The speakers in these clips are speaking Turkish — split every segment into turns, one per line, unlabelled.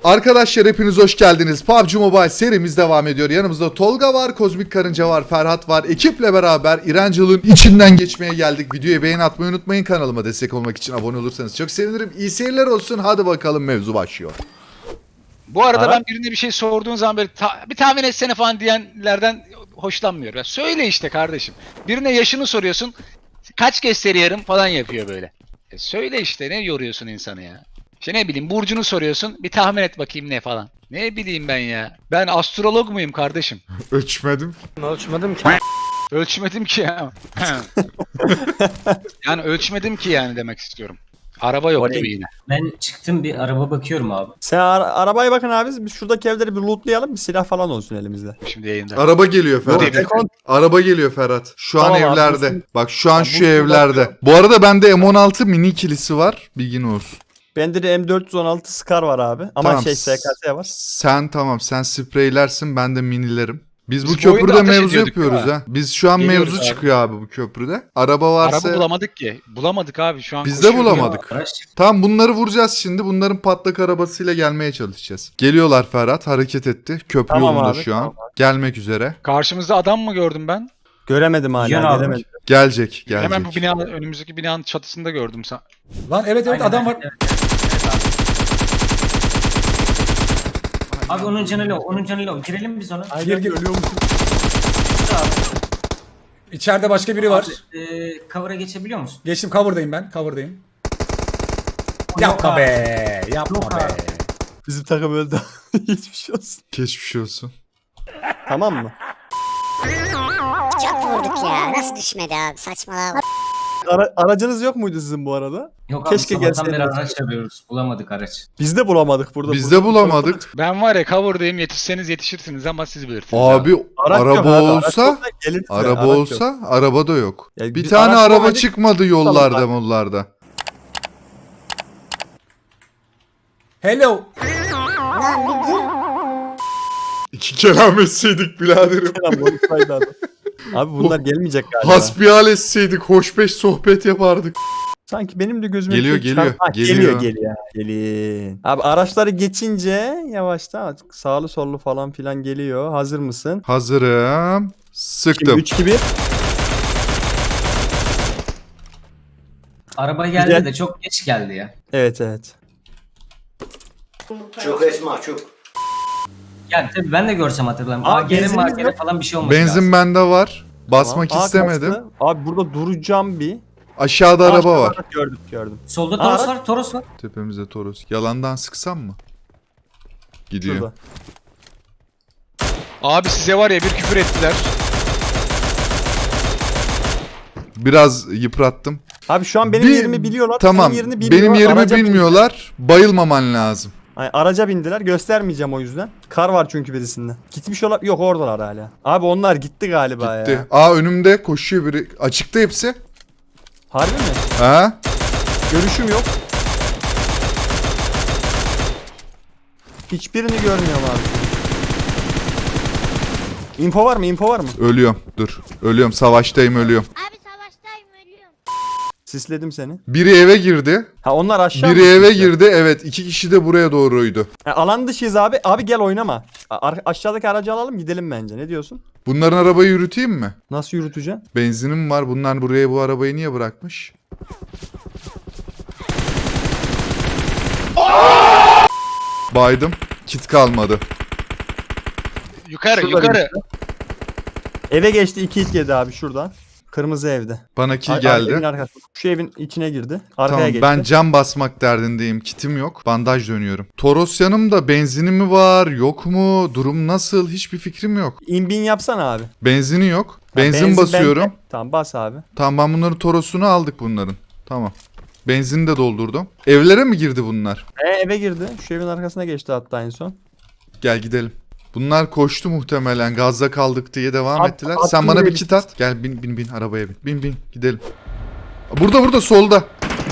Arkadaşlar hepiniz hoş geldiniz. PUBG Mobile serimiz devam ediyor. Yanımızda Tolga var, Kozmik Karınca var, Ferhat var. Ekiple beraber İrencil'in içinden geçmeye geldik. Videoya beğeni atmayı unutmayın. Kanalıma destek olmak için abone olursanız çok sevinirim. İyi seyirler olsun. Hadi bakalım, mevzu başlıyor.
Bu arada ben birine bir şey sorduğun zaman böyle bir tahmin etsene falan diyenlerden hoşlanmıyorum. Ya söyle işte kardeşim. Birine yaşını soruyorsun. Kaç gösteriyorum falan yapıyor böyle. Söyle işte, ne yoruyorsun insanı ya. İşte ne bileyim, burcunu soruyorsun. Bir tahmin et bakayım ne falan. Ne bileyim ben ya. Ben astrolog muyum kardeşim?
Ölçmedim.
Ölçmedim ki.
Ölçmedim ki ya. Yani ölçmedim ki yani demek istiyorum. Araba yok gibi yine.
Ben çıktım, bir araba bakıyorum abi.
Sen arabaya bakın abi. Biz şuradaki evleri bir lootlayalım. Bir silah falan olsun elimizde.
Şimdi yayında.
Araba geliyor Ferhat.
Yok,
Araba geliyor Ferhat. Şu an
Tamam abi,
evlerde.
nasıl?
Bak şu an
Tamam,
şu
bu
evlerde.
bakıyorum.
Bu arada bende M16 mini ikilisi var. Bilgin olsun.
Bende de M416 Scar var abi. Ama
Tamam.
SKS var.
Sen spreylersin, ben de minilerim. Biz bu
Biz bu oyunda
köprüde
ateş
mevzu
ediyorduk,
yapıyoruz
değil mi?
ha. Biz şu an
Geliyoruz
mevzu
abi.
çıkıyor abi bu köprüde. Araba varsa
Araba bulamadık ki. Bulamadık abi şu an.
biz de
koşuyoruz.
bulamadık.
Araç çıktı.
Tamam, bunları vuracağız şimdi. Bunların patlak arabasıyla gelmeye çalışacağız. Geliyorlar Ferhat, hareket etti. Köprü
Tamam
yolunda
abi,
şu an.
tamam
Gelmek üzere.
Karşımızda adam mı gördüm ben?
Göremedim hala.
Yan abi.
Gelemedim.
Gelecek.
Hemen bu binanın, önümüzdeki binanın çatısında gördüm.
Lan evet
Aynen,
adam var.
evet, evet, abi onun canı low, onun canı low. Girelim biz ona.
Gir gir.
Abi,
İçeride başka biri var.
cover'a geçebiliyor musun?
Geçtim, cover'dayım ben. Cover'dayım.
Yok
Yapma
abi.
be. Yapma
Yok
be.
abi.
Bizim takım öldü. Hiçbir şey olsun.
Geçmiş olsun.
Tamam mı?
Çok vurduk ya. Nasıl düşmedi abi? Saçmalama.
Aracınız yok muydu sizin bu arada?
Yok abi,
Keşke
sabahtan beri
gelseydiniz.
araç arıyoruz. Bulamadık araç.
Biz de bulamadık burada.
Biz de bulamadık.
Ben var ya, cover'dayım, yetişseniz yetişirsiniz ama siz bilirsiniz.
Abi
Araç yok
araba
abi, araç
olsa
olsa geliriz de,
araba
araç yok.
olsa araba da yok.
Ya
Bir
biz
tane
araç
araba
bulamadık.
çıkmadı yollarda
Tamam.
mollarda.
Hello.
İki kelam etseydik biraderim.
Selam, bonusaydı adam. Abi bunlar gelmeyecek galiba.
Hasbihal etseydik, hoşbeş sohbet yapardık.
Sanki benim de gözüme
Geliyor,
bir şey
geliyor,
çarp- Ha,
geliyor.
geliyor. Gelin. Abi araçları geçince yavaştan sağlı sollu falan filan geliyor. Hazır mısın?
Hazırım.
Şimdi
Sıktım.
3 2 1.
Araba geldi
Güzel.
de çok geç geldi ya.
Evet evet.
Yani tabii ben de görsem hatırlarım.
Aa,
AGR mi
benzinimiz
AGR
yok.
falan bir şey olması
Benzin
lazım.
bende var. Basmak
Tamam. Aa,
istemedim.
kastı. Abi burada duracağım bir.
Aşağıda araba
Aşağıda
var.
Gördüm.
Solda
Aa,
Toros var, Toros var.
Tepemizde Toros. Yalandan sıksam mı? Gidiyor.
Şurada.
Abi size var ya, bir küfür ettiler.
Biraz yıprattım.
Abi şu an benim
Bir-
yerimi biliyorlar.
Tamam.
Senin yerini bilmiyorlar.
Benim yerimi
Araca
bilmiyorlar. Bayılmaman lazım.
Ay, araca bindiler. Göstermeyeceğim o yüzden. Kar var çünkü birisinde. Gitmiş olan yok, oradalar hala. Abi onlar gitti galiba
Gitti.
ya.
Aa, önümde koşuyor biri. Açıkta hepsi.
Harbi mi?
Ha?
Görüşüm yok. Hiçbirini görmüyorum abi. Info var mı? Info var mı?
Ölüyorum. Dur. Ölüyorum. Savaştayım, ölüyorum.
Abi savaştayım ölüyorum.
Sisledim seni.
Biri eve girdi.
Ha onlar aşağı
Biri
mı
eve
gitmişler?
girdi. Evet. 2 kişi de buraya doğruydu.
Ha, alan dışıyız abi. Abi gel oynama. Aşağıdaki aracı alalım gidelim bence. Ne diyorsun?
Bunların arabayı yürüteyim mi?
Nasıl yürüteceksin?
Benzinim var. Bunlar buraya bu arabayı niye bırakmış? Baydım. Kit kalmadı.
Yukarı
Şurada
yukarı.
Eve geçti, 2 hit yedi abi şuradan. Kırmızı evde.
Bana kill
Evin
geldi.
arkasında. Şu evin içine girdi. Arkaya
Tamam,
geçti.
ben cam basmak derdindeyim. Kitim yok. Bandaj dönüyorum. Toros yanımda. Benzinim mi var? Yok mu? Durum nasıl? Hiçbir fikrim yok.
İnbin yapsana abi.
Benzini yok.
Ha,
Benzin basıyorum.
bende. Tamam bas abi.
Tamam, ben bunların Toros'unu aldık bunların. Tamam. Benzini de doldurdum. Evlere mi girdi bunlar?
Eve girdi. Şu evin arkasına geçti hatta en son.
Gel gidelim. Bunlar koştu muhtemelen. Gazda kaldık diye devam
At-
ettiler.
at
Sen bana
buraya
bir kit at. Gel bin arabaya bin. Bin gidelim. Burada solda.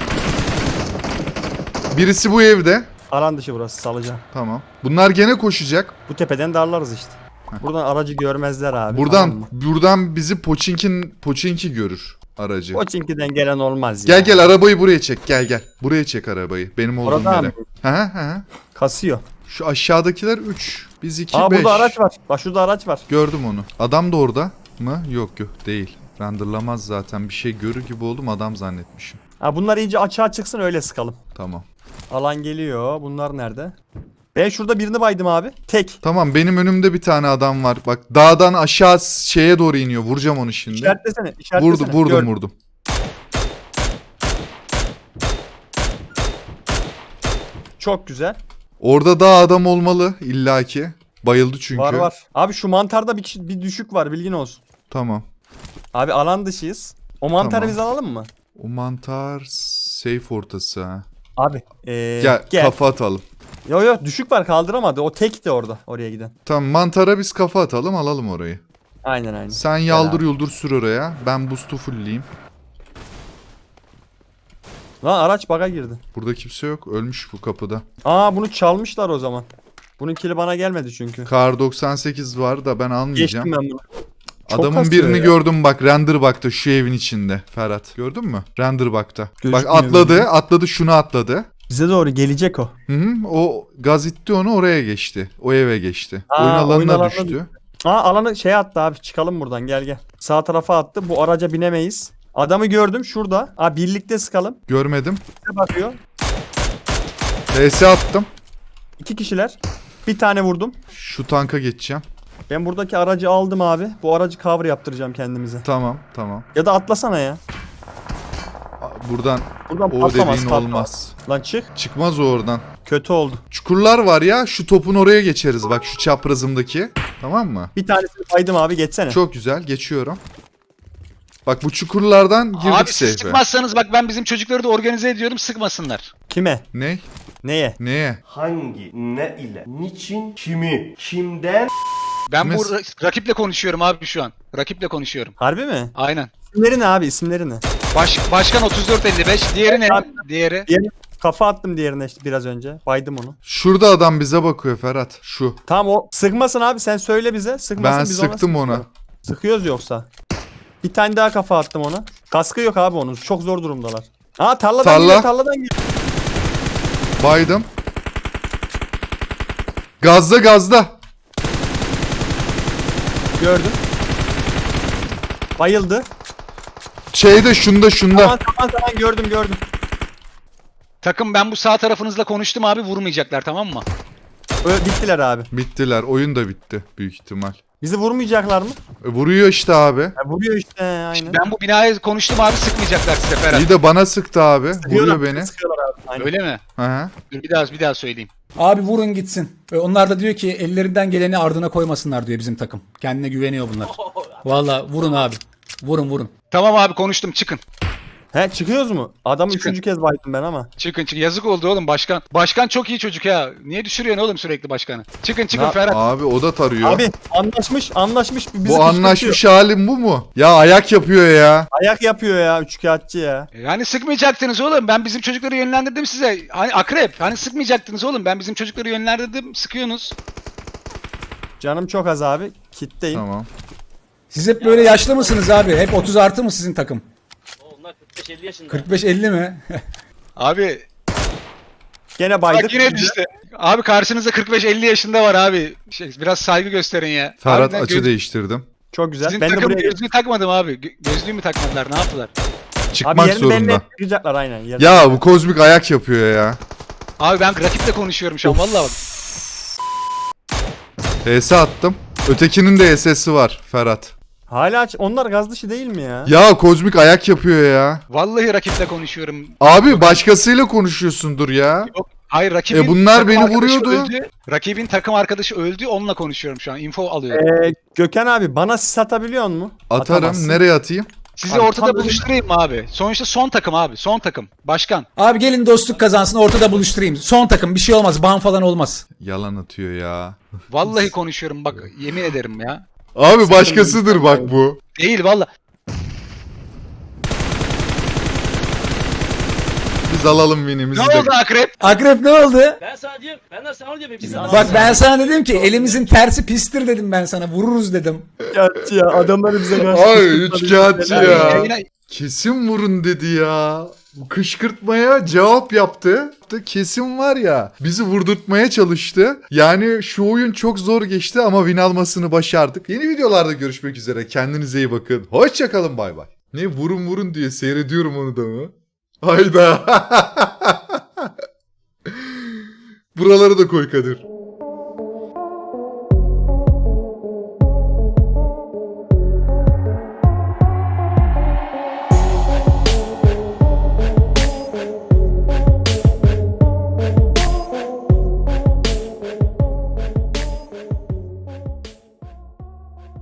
Birisi bu evde.
Alan dışı burası, salacağım.
Tamam. Bunlar gene koşacak.
Bu tepeden darlarız işte. Buradan aracı görmezler abi.
Buradan
tamam mı?
buradan bizi Poçinki görür aracı.
Koçinki'den gelen olmaz ya.
Gel arabayı buraya çek. Gel. Buraya çek arabayı. Benim olduğum
Oradan
yere.
mı?
Hı.
Kasıyor.
Şu aşağıdakiler 3. Biz 2
Aa
5.
burada araç var. Bak şurada araç var.
Gördüm onu. Adam da orada mı? Yok değil. Renderlamaz zaten. Bir şey görür gibi oldum, adam zannetmişim.
Ha bunlar iyice açığa çıksın öyle sıkalım.
Tamam.
Alan geliyor. Bunlar nerede? Ben şurada birini baydım abi. Tek.
Tamam, benim önümde bir tane adam var. Bak dağdan aşağı şeye doğru iniyor. Vuracağım onu şimdi.
İşaretlesene. İşaretlesene.
Vurdum.
Çok güzel.
Orada daha adam olmalı illaki. Bayıldı çünkü.
Var. Abi şu mantarda bir düşük var bilgin olsun.
Tamam.
Abi alan dışıyız. O mantarı
Tamam.
biz alalım mı?
O mantar safe ortası ha.
Abi
Gel,
gel.
kafa atalım.
Yo düşük var kaldıramadı. O tekti orada oraya giden.
Tamam, mantara biz kafa atalım, alalım orayı.
Aynen.
Sen yaldır yuldur sür oraya. Ben boost'u fullleyeyim.
Lan araç baga girdi.
Burada kimse yok. Ölmüş bu kapıda.
Aa bunu çalmışlar o zaman. Bunun kili bana gelmedi çünkü.
Kar 98 var da ben almayacağım.
Geçtim ben bunu. Çok
Adamın
kasıyor
birini
ya.
gördüm bak, Renderbug'da şu evin içinde. Ferhat gördün mü? Renderbug'da. Bak
Gözükmüyor
atladı şunu atladı.
Bize doğru gelecek o.
Hı, o gaz itti onu, oraya geçti. O eve geçti.
Aa,
oyun alanına
oyun alanına
düştü.
Aa alanı attı abi çıkalım buradan gel. Sağ tarafa attı. Bu araca binemeyiz. Adamı gördüm şurada. Aa birlikte sıkalım.
Görmedim.
Bize bakıyor.
TS attım.
2 kişiler. Bir tane vurdum.
Şu tanka geçeceğim.
Ben buradaki aracı aldım abi. Bu aracı cover yaptıracağım kendimize.
Tamam.
Ya da atlasana ya.
Buradan
Buradan
o
patlamaz.
dediğin olmaz.
Lan çık.
Çıkmaz o oradan.
Kötü oldu.
Çukurlar var ya, şu topun oraya geçeriz bak, şu çaprazımdaki. Tamam mı?
Bir tanesini baydım abi geçsene.
Çok güzel, geçiyorum. Bak bu çukurlardan girdik
Abi siz
safe'e.
sıkmazsanız bak ben bizim çocukları da organize ediyorum, sıkmasınlar.
Kime?
Ne?
Neye?
Neye?
Hangi, ne ile, niçin, kimi, kimden
Ben bu
Mes-
rakiple konuşuyorum abi şu an. Rakiple konuşuyorum.
Harbi mi?
Aynen.
İsimleri ne abi isimleri ne?
Başkan 3455, diğeri ne? Diğeri.
Kafa attım diğerine işte biraz önce. Baydım onu.
Şurada adam bize bakıyor Ferhat. Şu.
Tamam o sıkmasın abi sen söyle bize. Sıkmasın
Ben
biz
sıktım ona.
sıkıyoruz. Sıkıyoruz yoksa. Bir tane daha kafa attım ona. Kaskı yok abi onun. Çok zor durumdalar. Aa tarladan geliyor.
Baydım. Gazda.
Gördüm. Bayıldı.
Şeyde şunda.
Tamam gördüm.
Takım ben bu sağ tarafınızla konuştum abi, vurmayacaklar tamam mı?
Bittiler abi.
Bittiler. Oyun da bitti büyük ihtimal.
Bizi vurmayacaklar mı?
Vuruyor işte abi.
Ya vuruyor işte aynen.
Ben bu binaya konuştum abi, sıkmayacaklar size Ferhat.
İyi de bana sıktı abi. Vuruyor beni.
Sıkıyorlar abi. Aynen.
Öyle mi?
Hı hı.
Dur bir daha söyleyeyim.
Abi vurun gitsin. Onlar da diyor ki ellerinden geleni ardına koymasınlar diyor bizim takım. Kendine güveniyor bunlar. Valla vurun abi. Vurun.
Tamam abi konuştum, çıkın.
He çıkıyoruz mu? Adamı
Çıkın.
3. kez baydım ben ama.
Çıkın. Yazık oldu oğlum başkan. Başkan çok iyi çocuk ya. Niye düşürüyorsun oğlum sürekli başkanı? Çıkın
Ya,
Ferhat.
Abi o da tarıyor.
Abi anlaşmış. Bizi
bu anlaşmış halim bu mu? Ya ayak yapıyor ya.
Ayak yapıyor ya üçkağıtçı ya.
Yani sıkmayacaktınız oğlum. Ben bizim çocukları yönlendirdim size. Hani akrep. Hani sıkmayacaktınız oğlum. Ben bizim çocukları yönlendirdim. Sıkıyorsunuz.
Canım çok az abi. Kitleyim.
Tamam.
Siz hep böyle yaşlı mısınız abi? Hep 30 artı mı sizin takım?
Onlar 45-50 yaşında.
45-50 mi?
Abi
Gene baydık.
bak yine düştü. Abi karşınızda 45-50 yaşında var abi. Biraz saygı gösterin ya.
Ferhat
Harbiden
açı değiştirdim.
Çok güzel.
Sizin
Ben de
takım
buraya
gözlüğü takmadım abi. Gözlüğü mü takmadılar? Ne yaptılar?
Abi
Çıkmak
yerini belli
zorunda.
yapacaklar aynen. Yerini.
Ya bu kozmik ayak yapıyor ya.
Abi ben rakiple konuşuyorum şu an. Vallahi bak.
HS attım. Ötekinin de SS'i var Ferhat.
Hala onlar gaz dışı değil mi ya?
Ya kozmik ayak yapıyor ya.
Vallahi rakiple konuşuyorum.
Abi başkasıyla konuşuyorsundur ya.
Yok. Hayır rakibin
bunlar
takım
beni
arkadaşı
vuruyordu.
öldü. Rakibin takım arkadaşı öldü. Onunla konuşuyorum şu an. Info alıyorum.
Gökhan abi bana sis atabiliyor mu?
Atarım.
Atamazsın.
Nereye atayım?
Sizi
Abi,
ortada
tam
buluşturayım mı abi? Sonuçta son takım abi. Son takım. Başkan.
Abi gelin dostluk kazansın ortada buluşturayım. Son takım bir şey olmaz. Ban falan olmaz.
Yalan atıyor ya.
Vallahi konuşuyorum bak. Yemin ederim ya.
Abi başkasıdır bak bu.
Değil vallahi.
Biz alalım winimizi
Ne
de.
oldu akrep?
Akrep ne oldu?
Ben sana diyorum. Ben de sana diyorum. Biz
Bak ben sana dedim ki elimizin tersi pistir dedim ben sana. Vururuz dedim.
Üçkağıtçı ya adamları bize karşı.
Ay üçkağıtçı ya.
Yayına-
Kesin vurun dedi ya. Bu kışkırtmaya cevap yaptı. Kesin var ya, bizi vurdurtmaya çalıştı. Yani şu oyun çok zor geçti ama win almasını başardık. Yeni videolarda görüşmek üzere. Kendinize iyi bakın. Hoşçakalın, bay bay. Ne vurun vurun diye seyrediyorum onu da mı? Hayda. Buraları da koy Kadir.